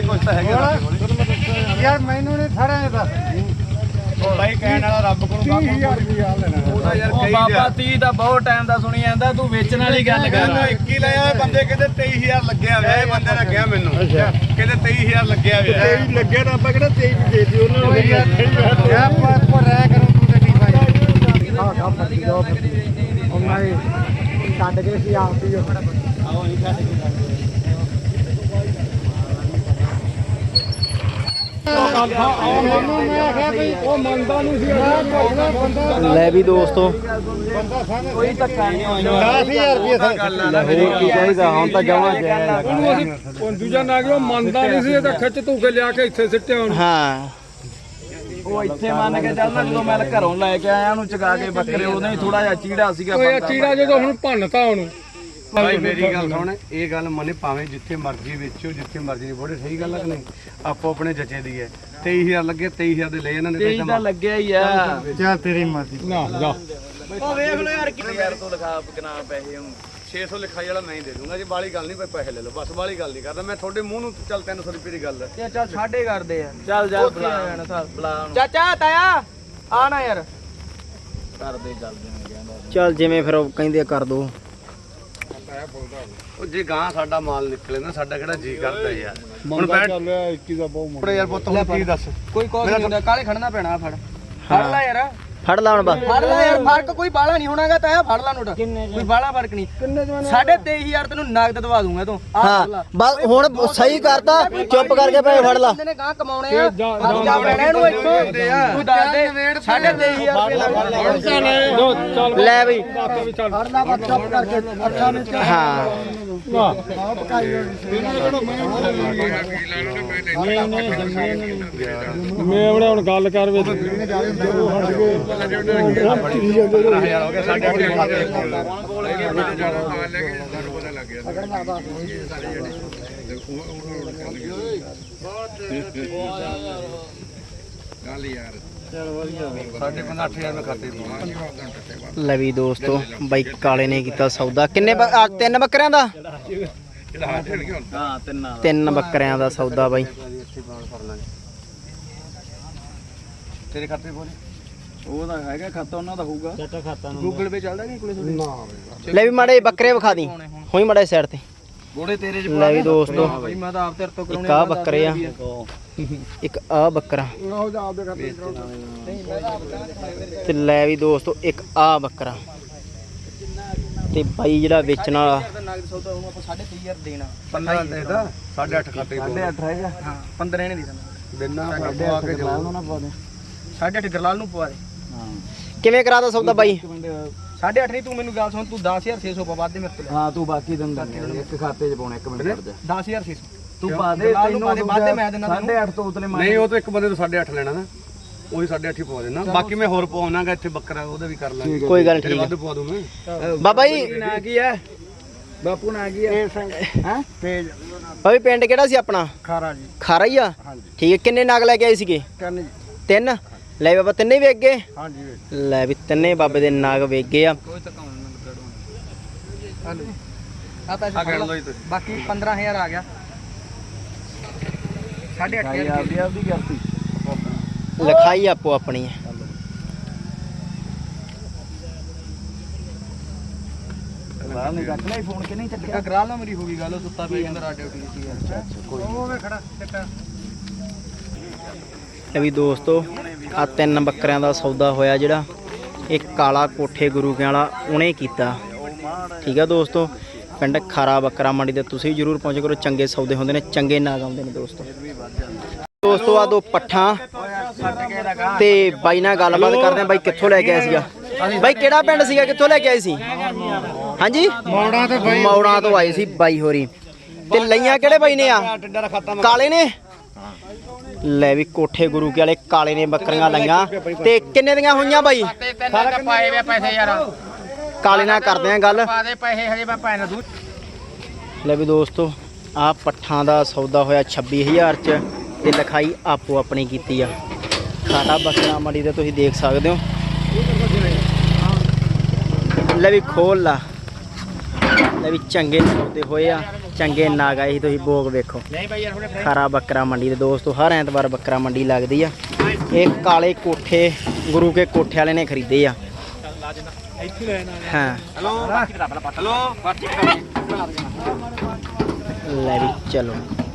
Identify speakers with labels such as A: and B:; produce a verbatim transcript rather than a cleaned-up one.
A: ਕੁਛ ਤਾਂ ਹੈਗਾ
B: ਯਾਰ ਮੈਨੂੰ ਨਹੀਂ ਥੜਿਆ ਦੱਸ
A: ਭਾਈ ਕਹਿਣ ਵਾਲਾ ਰੱਬ ਕੋਲ
B: ਤੀਹ ਹਜ਼ਾਰ ਰੁਪਇਆ ਲੈਣਾ
A: ਉਹਦਾ ਯਾਰ
C: ਉਹ ਬਾਬਾ ਤੀਹ ਦਾ ਬਹੁਤ ਟਾਈਮ ਦਾ ਸੁਣੀ ਜਾਂਦਾ ਤੂੰ ਵੇਚਣ ਵਾਲੀ ਗੱਲ ਕਰ
A: ਮੈਨੂੰ ਇੱਕੀ ਲਿਆ ਹੋਇਆ ਬੰਦੇ ਕਹਿੰਦੇ ਤੇਈ ਹਜ਼ਾਰ ਲੱਗਿਆ ਹੋਇਆ ਇਹ ਬੰਦੇ ਨੇ ਕਿਹਾ ਮੈਨੂੰ ਕਹਿੰਦੇ ਤੇਈ ਹਜ਼ਾਰ ਲੱਗਿਆ ਹੋਇਆ
B: ਤੇਈ ਲੱਗਿਆ ਤਾਂ ਆਪਾਂ ਕਿਹੜਾ ਤੇਈ ਵੀ ਦੇ ਦਿਓ ਉਹਨਾਂ ਨੂੰ ਯਾਰ ਆਪਾਂ ਆਪਾਂ ਰਹਿ ਕਰੋ ਤੂੰ ਤੇ ਨਹੀਂ ਭਾਈ ਹਾਂ ਹਾਂ ਫੱਟੀ ਜਾਓ ਉਹਨਾਂ ਨੇ ਛੱਡ ਕੇ ਸੀ ਆਪ ਹੀ
C: ਆਓ ਅਸੀਂ ਛੱਡ ਕੇ
D: ਲੈ ਵੀ ਦੋਸਤੋ
C: ਕੋਈ ਧੱਕਾ ਨਹੀਂ ਹੋਇਆ
B: ਦਸ ਹਜ਼ਾਰ ਰੁਪਏ
D: ਕੀ ਚਾਹੀਦਾ ਹੁਣ ਤਾਂ ਜਮਾ ਜਾਇਆ
B: ਉਹ ਦੂਜਾ ਨਾ ਕਿ ਉਹ ਮੰਨਦਾ ਨਹੀਂ ਸੀ ਇਹ ਤਾਂ ਖਿੱਚ ਧੂ ਕੇ ਲਿਆ ਕੇ ਇੱਥੇ ਸਿੱਟਿਆ ਹੁਣ
D: ਹਾਂ
C: ਉਹ ਇੱਥੇ ਮੰਨ ਕੇ ਚੱਲਦਾ ਜਦੋਂ ਮੈਂ ਘਰੋਂ ਲੈ ਕੇ ਆਇਆ ਉਹਨੂੰ ਚਗਾ ਕੇ ਬੱਕਰੇ ਉਹਨੇ ਥੋੜਾ ਜਿਹਾ ਚੀੜਾ ਸੀਗਾ
B: ਉਹ ਚੀੜਾ ਜਦੋਂ ਹੁਣ ਭੰਨਤਾ ਉਹਨੂੰ
A: ਭਾਈ ਮੇਰੀ ਗੱਲ ਸੁਣ ਇਹ ਗੱਲ ਮੰਨੇ ਭਾਵੇਂ ਜਿੱਥੇ ਮਰਜ਼ੀ ਵੇਚੋ ਜਿੱਥੇ ਮਰਜ਼ੀ ਨਹੀਂ ਬੋੜੇ ਸਹੀ ਗੱਲ ਆ ਕਿ ਨਹੀਂ ਆਪੋ ਆਪਣੇ ਜੱਜੇ ਦੀ ਹੈ ਤੇਈ ਹਜ਼ਾਰ ਲੱਗੇ ਤੇਈ ਹਜ਼ਾਰ ਦੇ ਲੈ ਇਹਨਾਂ ਨੇ
C: ਤੇਈ ਤਾਂ ਲੱਗਿਆ ਹੀ ਆ
B: ਚੱਲ ਤੇਰੀ ਮਰਜ਼ੀ ਨਾ ਜਾ
C: ਉਹ ਵੇਖ ਲੋ ਯਾਰ ਕਿੰਨੇ ਯਾਰ ਤੋਂ ਲਿਖਾ ਕਿੰਨਾ ਪੈਸੇ ਹੁਣ
A: ਛੇ ਸੌ ਲਿਖਾਈ ਵਾਲਾ ਮੈਂ ਹੀ ਦੇ ਦੂੰਗਾ ਜੀ ਬਾਲੀ ਗੱਲ ਨਹੀਂ ਭਾਈ ਪੈਸੇ ਲੈ ਲਓ ਬਸ ਬਾਲੀ ਗੱਲ ਨਹੀਂ ਕਰਦਾ ਮੈਂ ਤੁਹਾਡੇ ਮੂੰਹ ਨੂੰ ਚੱਲ ਤਿੰਨ ਸੌ ਰੁਪਏ ਦੀ ਗੱਲ ਹੈ
C: ਤੇ ਚੱਲ ਛਾੜੇ ਕਰਦੇ ਆ ਚੱਲ ਜਾ ਬੁਲਾ ਬੁਲਾ ਚਾਚਾ ਤਾਇਆ ਆ ਨਾ ਯਾਰ ਕਰਦੇ ਚੱਲ ਜਿਵੇਂ
D: ਚੱਲ ਜਿਵੇਂ ਫਿਰ ਉਹ ਕਹਿੰਦੇ ਕਰ ਦੋ
A: ਉਹ ਜੇ ਗਾਂ ਸਾਡਾ ਮਾਲ ਨਿਕਲੇ ਨਾ ਸਾਡਾ ਕਿਹੜਾ ਜੀ ਕਰਦਾ ਯਾਰ ਹੁਣ ਬੈਠ
B: ਇੱਕੀ ਦਾ ਬਹੁਤ
A: ਆਪਣੇ ਯਾਰ ਪੁੱਤ ਹੁਣ ਕੀ ਦੱਸ
C: ਕੋਈ ਕੋਸ ਨਹੀਂ ਹੁੰਦਾ ਕਾਲੇ ਖੜਨਾ ਪੈਣਾ ਫੜ ਫੜ ਲੈ ਯਾਰ
D: ਫੜ ਲਾ ਹੁਣ ਬਸ
C: ਫੜ ਲੈ ਯਾਰ ਫਰਕ ਕੋਈ ਬਾਲਾ ਨਹੀਂ ਹੋਣਾਗਾ ਤਾਇਆ ਫੜ ਲਾ ਨੋਟ ਕੋਈ ਬਾਲਾ ਫਰਕ ਨਹੀਂ ਸਾਢੇ ਤੇਈ ਹਜ਼ਾਰ ਤੈਨੂੰ ਨਗਦ ਦਵਾ ਦੂੰਗਾ ਤੂੰ
D: ਹਾਂ ਬਸ ਹੁਣ ਸਹੀ ਕਰਤਾ ਚੁੱਪ ਕਰਕੇ ਭਾਈ ਫੜ ਲਾ
C: ਬੰਦੇ ਨੇ ਗਾਂ ਕਮਾਉਣੇ ਆ ਜਾ ਲੈਣਾ ਇਹਨੂੰ ਇੱਥੋਂ ਤੂੰ ਦੱਸ ਦੇ ਸਾਢੇ ਤੇਈ ਹਜ਼ਾਰ ਰੁਪਏ
D: ਲੈ ਬਈ
B: ਫੜ ਲਾ ਬਸ ਚੁੱਪ ਕਰਕੇ ਅੱਛਾ ਨਹੀਂ
D: ਹਾਂ
B: ਮੈਂ ਹੁਣ ਗੱਲ ਕਰ ਵੇ
A: ਹਜ਼ਾਰ ਹੋ ਗਿਆ ਸਾਡੇ ਆਪਣੇ ਖਾਤੇ ਸਾਡੇ ਕੋਲ ਅੱਠ ਹਜ਼ਾਰ ਮੈਂ ਖਾਤੇ ਪਾਉਣਾ
D: ਲੈ ਵੀ ਦੋਸਤੋ ਬਾਈ ਕਾਲੇ ਨੇ ਕੀਤਾ ਸੌਦਾ ਕਿੰਨੇ ਬ- ਆ, ਤਿੰਨ ਬੱਕਰਿਆਂ ਦਾ
C: ਹਾਂ ਤਿੰਨਾਂ
D: ਤਿੰਨ ਬੱਕਰਿਆਂ ਦਾ ਸੌਦਾ ਬਾਈ
A: ਤੇਰੇ ਖਾਤੇ ਕੋਲ
C: ਉਹਦਾ ਹੈਗਾ ਖਾਤਾ ਉਹਨਾਂ ਦਾ ਹੋਊਗਾ ਚਾਚਾ ਖਾਤਾ ਗੂਗਲ ਪੇ ਚੱਲਦਾ ਨਹੀਂ ਕੋਲੇ ਤੁਹਾਡੇ
D: ਲੈ ਵੀ ਮਾੜੇ ਬੱਕਰੇ ਵਿਖਾ ਦੀ ਹੋਈ ਮਾੜੇ ਸਾਈਡ ਤੇ
C: ਗੋੜੇ ਤੇਰੇ ਚ
D: ਲੈ ਵੀ ਦੋਸਤੋ
C: ਬਈ ਮੈਂ ਤਾਂ ਆਪ ਤੇਰੇ ਤੋਂ
D: ਇੱਕ ਆ ਬੱਕਰੇ ਆ ਇੱਕ ਆ ਬੱਕਰਾ ਤੇ ਲੈ ਵੀ ਦੋਸਤੋ ਇੱਕ ਆ ਬੱਕਰਾ ਤੇ ਬਾਈ ਜਿਹੜਾ ਵੇਚਣ ਵਾਲਾ
C: ਨਗਦ ਸੌਦਾ ਉਹਨੂੰ ਆਪਾਂ ਸਾਢੇ ਤੇਈ ਹਜ਼ਾਰ ਦੇਣਾ
A: ਪੰਦਰਾਂ ਦੇ ਦਾ ਸਾਢੇ ਅੱਠ ਖਾਤੇ
C: ਸਾਢੇ ਅੱਠ ਹੈਗਾ ਹਾਂ ਪੰਦਰਾਂ ਨਹੀਂ ਦੇਣਾ
A: ਦਿਨਾਂ ਪਵਾ ਕੇ ਜਾਓ
C: ਸਾਢੇ ਅੱਠ ਗਰਲਾਲ ਨੂੰ ਪਵਾ ਦੇ
D: ਕਿਵੇਂ ਕਰਾਦਾ ਸੌਦਾ ਬਾਈ
C: ਸਾਢੇ ਅੱਠ ਨਹੀਂ ਤੂੰ ਮੈਨੂੰ ਗੱਲ ਸੁਣ ਤੂੰ ਦਸ ਹਜ਼ਾਰ ਛੇ ਸੌ ਪਾ ਵੱਧ ਦੇ ਮੇਰੇ ਤੋਂ
A: ਹਾਂ ਤੂੰ ਬਾਕੀ ਦਿਨ ਇੱਕ ਖਾਤੇ 'ਚ ਪਾਉਣਾ ਇੱਕ ਮਿੰਟ ਕਰ ਜਾ
C: ਦਸ ਹਜ਼ਾਰ ਛੇ ਸੌ ਤੂੰ ਪਾ ਦੇ ਤੈਨੂੰ ਵੱਧ ਦੇ ਮੈਂ ਦੇਣਾ ਸਾਢੇ ਅੱਠ ਤੋਂ ਉਤਲੇ
A: ਨਹੀਂ ਉਹ ਤਾਂ ਇੱਕ ਬੰਦੇ ਤੋਂ ਸਾਢੇ ਅੱਠ ਲੈਣਾ ਨਾ ਉਹੀ ਸਾਢੇ ਅੱਠ ਹੀ ਪਵਾ ਦੇਣਾ ਬਾਕੀ ਮੈਂ ਹੋਰ ਪਵਾਉਣਾਗਾ ਇੱਥੇ ਬੱਕਰਾ ਉਹਦਾ ਵੀ ਕਰ ਲਾਂਗੇ
D: ਕੋਈ ਗੱਲ
A: ਤੇਰੇ
D: ਠੀਕ
A: ਵੱਧ ਪਵਾ ਦੂੰ ਮੈਂ
D: ਬਾਬਾ ਜੀ
C: ਨਾ ਕੀ ਹੈ ਬਾਪੂ ਨਾ ਕੀ ਹੈ
D: ਹੈ ਬਾਬੀ ਪਿੰਡ ਕਿਹੜਾ ਸੀ ਆਪਣਾ
B: ਖਾਰਾ ਜੀ
D: ਖਾਰਾ ਹੀ ਆ ਠੀਕ ਹੈ ਕਿੰਨੇ ਨਗ ਲੈ ਕੇ ਆਏ ਸੀਗੇ
B: ਕੰਨ
D: ਤਿੰਨ ਲੈ ਬਾਬਾ ਤਿੰਨੇ ਹੀ ਵੇਚ ਗਏ
B: ਹਾਂਜੀ
D: ਲੈ ਵੀ ਤਿੰਨੇ ਬਾਬੇ ਦੇ ਨਗ ਵੇਚ ਗਏ ਆ
C: ਕੋਈ ਧੱਕਾ ਨਹੀਂ ਆ ਪੈਸੇ ਫੜ ਲਓ ਬਾਕੀ ਪੰਦਰਾਂ ਹਜ਼ਾਰ ਆ ਗਿਆ ਸਾਢੇ ਅੱਠ ਹਜ਼ਾਰ ਦੀ ਆਪਦੀ ਕਰਤੀ
D: ਲਿਖਾਈ ਆਪੋ ਆਪਣੀ ਹੈ
C: ਗਰਾਲ ਨੇ ਚੱਕ ਲਿਆ ਫੋਨ ਕਿ ਨਹੀਂ ਚੱਕਿਆ ਗਰਾਲ ਨਾਲ ਮੇਰੀ ਹੋ ਗਈ ਗੱਲ ਉਹ ਸੁੱਤਾ ਪਿਆ ਜਾਂਦਾ ਰਾਡਿਓ ਟੀ ਸੀ ਯਾਰ ਕੋਈ
B: ਉਹ ਵੇ ਖੜਾ ਚੱਕਾ
D: ਇਹ ਵੀ ਦੋਸਤੋ ਆ ਤਿੰਨ ਬੱਕਰਿਆਂ ਦਾ ਸੌਦਾ ਹੋਇਆ ਜਿਹੜਾ ਇਹ ਕਾਲਾ ਕੋਠੇ ਗੁਰੂ ਕੇ ਵਾਲਾ ਉਹਨੇ ਕੀਤਾ ਠੀਕ ਆ ਦੋਸਤੋ ਪਿੰਡ ਖਾਰਾ ਬੱਕਰਾ ਮੰਡੀ ਤੇ ਤੁਸੀਂ ਜਰੂਰ ਪਹੁੰਚ ਕਰੋ ਚੰਗੇ ਸੌਦੇ ਹੁੰਦੇ ਨੇ ਚੰਗੇ ਨਾਗ ਆਉਂਦੇ ਨੇ ਦੋਸਤੋ ਦੋਸਤੋ ਆ ਦੋ ਪੱਠਾਂ ਤੇ ਬਾਈ ਨਾਲ ਗੱਲਬਾਤ ਕਰਦੇ ਆ ਬਾਈ ਕਿੱਥੋਂ ਲੈ ਕੇ ਆਇਆ ਸੀਗਾ ਬਾਈ ਕਿਹੜਾ ਪਿੰਡ ਸੀਗਾ ਕਿੱਥੋਂ ਲੈ ਕੇ ਆਏ ਸੀ ਹਾਂਜੀ
B: ਮੌੜਾਂ ਤੇ ਬਾਈ
D: ਮੌੜਾਂ ਤੋਂ ਆਏ ਸੀ ਬਾਈ ਹੋਰੀ ਤੇ ਲਈਆਂ ਕਿਹੜੇ ਬਾਈ ਨੇ ਆ ਕਾਲੇ ਨੇ ਲੈ ਵੀ ਕੋਠੇ ਗੁਰੂ ਕੇ ਵਾਲੇ ਕਾਲੇ ਨੇ ਬੱਕਰੀਆਂ ਲਈਆਂ ਤੇ ਕਿੰਨੇ ਦੀਆਂ ਹੋਈਆਂ ਬਾਈ
C: ਸਾਰਾ ਪਾਏ ਵੇ ਪੈਸੇ ਯਾਰ
D: ਕਾਲੇ ਨਾਲ ਕਰਦੇ ਆ ਗੱਲ
C: ਪਾ ਦੇ ਪੈਸੇ ਹਜੇ ਮੈਂ ਪੈਨ ਦੂ
D: ਲੈ ਵੀ ਦੋਸਤੋ ਆ ਪੱਠਾਂ ਦਾ ਸੌਦਾ ਹੋਇਆ ਛੱਬੀ ਹਜ਼ਾਰ ਚ ਤੇ ਲਿਖਾਈ ਆਪੋ ਆਪਣੀ ਕੀਤੀ ਆ ਖਾਰਾ ਬੱਕਰਾ ਮੰਡੀ ਤੇ ਤੁਸੀਂ ਦੇਖ ਸਕਦੇ ਹੋ ਲੈ ਵੀ ਖੋਲ ਲਾ ਲੈ ਵੀ ਚੰਗੇ ਸੌਦੇ ਹੋਏ ਆ, ਚੰਗੇ ਨਾਗ ਆਏ ਸੀ। ਤੁਸੀਂ ਭੋਗ ਵੇਖੋ, ਖਰਾ ਬੱਕਰਾ ਮੰਡੀ ਦੇ ਦੋਸਤੋ ਹਰ ਐਤਵਾਰ ਬੱਕਰਾ ਮੰਡੀ ਲੱਗਦੀ ਆ। ਇਹ ਕਾਲੇ ਕੋਠੇ ਗੁਰੂ ਕੇ ਕੋਠੇ ਵਾਲੇ ਨੇ ਖਰੀਦੇ ਆ। ਹਾਂ
C: ਹੈਲੋ ਹੈਲੋ
D: ਲੈ ਵੀ ਚਲੋ।